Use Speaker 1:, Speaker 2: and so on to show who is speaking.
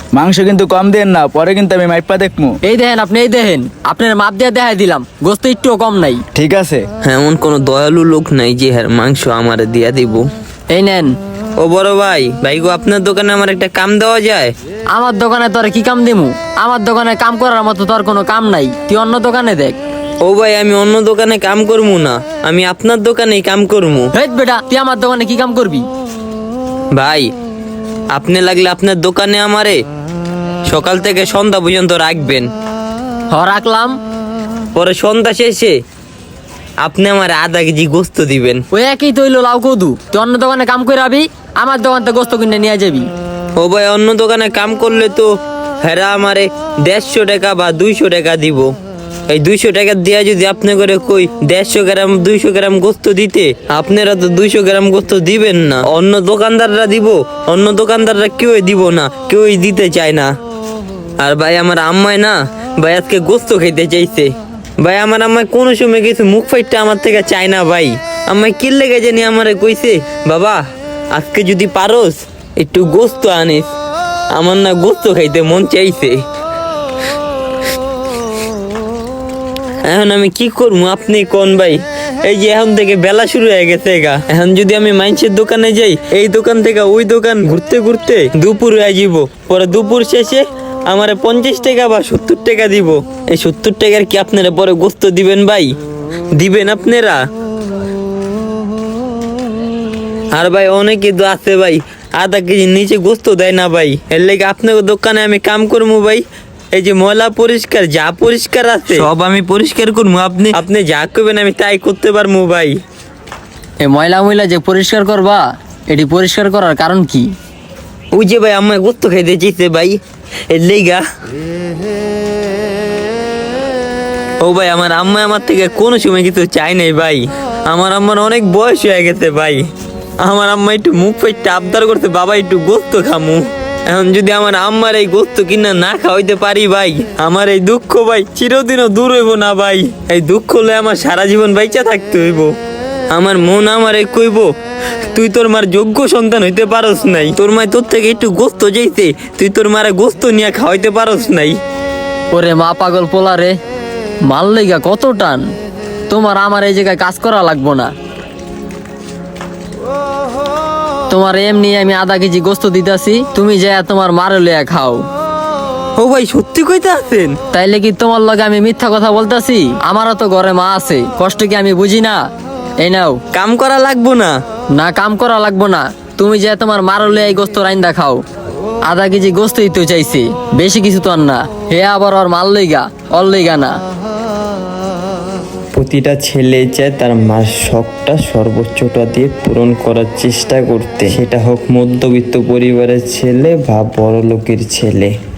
Speaker 1: মাংস কিন্তু কম দেন না, পরে কিন্তু আমি মাইপা দেখমু।
Speaker 2: এই দেখেন আপনি, এই দেখেন আপনার মাপ দিয়ে দেখাই দিলাম, গোস্ত একটুও কম নাই।
Speaker 1: ঠিক আছে।
Speaker 3: এমন কোনো দয়ালু লোক নাই যে হ্যাঁ মাংস আমারে দিয়া দিব।
Speaker 2: এই নেন।
Speaker 3: ও বড় ভাই, ভাই গো আপনার দোকানে আমার একটা কাম দেওয়া যায়?
Speaker 2: আমার দোকানে তোর কি কাম দিমু? আমার দোকানে কাম করার মতো তোর কোনো কাম নাই, তুই অন্য দোকানে দেখ।
Speaker 3: ও ভাই, আমি অন্য দোকানে কাম করবো না, আমি আপনার দোকানেই কাম করবো।
Speaker 2: হেট বেটা, তুই আমার দোকানে কি কাম করবি?
Speaker 3: ভাই, আপনি লাগলে আপনার দোকানে আমারে সকাল থেকে সন্ধ্যা পর্যন্ত রাখবেন।
Speaker 2: রাখলাম।
Speaker 3: পরে সন্ধ্যা শেষে আপনি আমার আধা কেজি গোস্ত দিবেন।
Speaker 2: ওই একই তৈল লাউ কদু, তুই অন্য দোকানে কাম করে আবি, আমার দোকান থেকে গোস্ত কিনে নিয়ে যাবি।
Speaker 3: ও ভাই, অন্য দোকানে কাম করলে তো হেরা আমারে 150 টাকা বা 200 টাকা দিব। এই 200 টাকা দিয়া যদি আপনি করে কই 150 গ্রাম 200 গ্রাম গোস্ত দিতে, আপনারা তো 200 গ্রাম গোস্ত দিবেন না, অন্য দোকানদাররা দিব। অন্য দোকানদাররা কেউই দিব না, কেউই দিতে চায় না। আর ভাই আমার আম্মাই না ভাই আজকে গোস্ত খেতে চাইছে। ভাই আমার আম্মাই কোনো সময় কিছু মুখ ফাইটটা আমার থেকে চায় না। ভাই আম্মাই কি লেগে জানি আমারে কইছে, বাবা আজকে যদি পারোস একটু গোস্ত আনিস, আমার না গোস্ত খাইতে মন চাইছে। এখন আমি কি করবো আপনি কোন ভাই? এই যে এখন থেকে বেলা শুরু হয়ে গেছে গা, এখন যদি আমি মাইন্সের দোকানে যাই, এই দোকান থেকে ওই দোকান ঘুরতে ঘুরতে দুপুর হয়ে যাব। পরে দুপুর শেষে আমারে 50 টাকা বা 70 টাকা দিব। এই 70 টাকার কি আপনারা পরে গোস্ত দিবেন ভাই? দিবেন আপনারা? আর ভাই অনেকে তো আছে ভাই আধা কেজির নিচে গোস্ত দেয় না ভাই। এর লেগে আপনার দোকানে আমি কাম করবো ভাই। এই যে ময়লা পরিষ্কার যা পরিষ্কার আছে সব আমি পরিষ্কার করবো। আপনি যা করবেন আমি তাই করতে পারবো ভাই।
Speaker 2: এই ময়লা যে পরিষ্কার করবা, এটি পরিষ্কার করার কারণ কি?
Speaker 3: ওই যে ভাই আমার গোস্ত খাইতে চাইছে ভাই, এর লেগা। ও ভাই আমার আম্মা আমার থেকে কোনো সময় কিছু চাই নাই ভাই। আমার আম্মার অনেক বয়স হয়ে গেছে ভাই। আমার আম্মা একটু মুখ ফাইটটা আবদার করতে, বাবা একটু গোস্ত খামু। এখন যদি আমার আম্মার এই গোস্ত কিনা না খাওয়াইতে পারি ভাই, আমার এই দুঃখ ভাই চিরদিনও দূর হইব না ভাই। এই দুঃখ হলে আমার সারা জীবন বাইচা থাকতে হইব। আমার মন আমারে কইব, তুই তোর মার যোগ্য সন্তান হইতে পারস নাই, তোর মায় তোর থেকে একটু গোস্ত যাইতে, তুই তোর মারে গোস্ত নিয়ে খাওয়াইতে পারস নাই।
Speaker 2: ওরে মা পাগল পোলা রে, মাল লেগা কত টান। তোমার আমার এই জায়গায় কাজ করা লাগবো না, তোমার এমনি আমি আধা কেজি গোস্ত দিতাছি, তুমি যা তোমার মারে লইয়া খাও।
Speaker 3: ও ভাই সত্যি কইতে আছেন?
Speaker 2: তাইলে কি তোমার লগে আমি মিথ্যা কথা বলতাছি? আমারও তো ঘরে মা আছে, কষ্ট কি আমি বুঝি না? এই নাও।
Speaker 3: কাম করা লাগবো না?
Speaker 2: না কাম করা লাগবো না, তুমি যে তোমার মারো লইয়া এই গোস্ত রাইন্দা খাও। আধা কেজি গোস্তই তো চাইছি, বেশি কিছু তো আর না। হে আবার ওর মাল লইগা, অর লইগা না।
Speaker 4: প্রতিটা ছেলে চায় তার মার শখটা সর্বোচ্চটা দিয়ে পূরণ করার চেষ্টা করতে, সেটা হোক মধ্যবিত্ত পরিবারের ছেলে বা বড় লোকের ছেলে।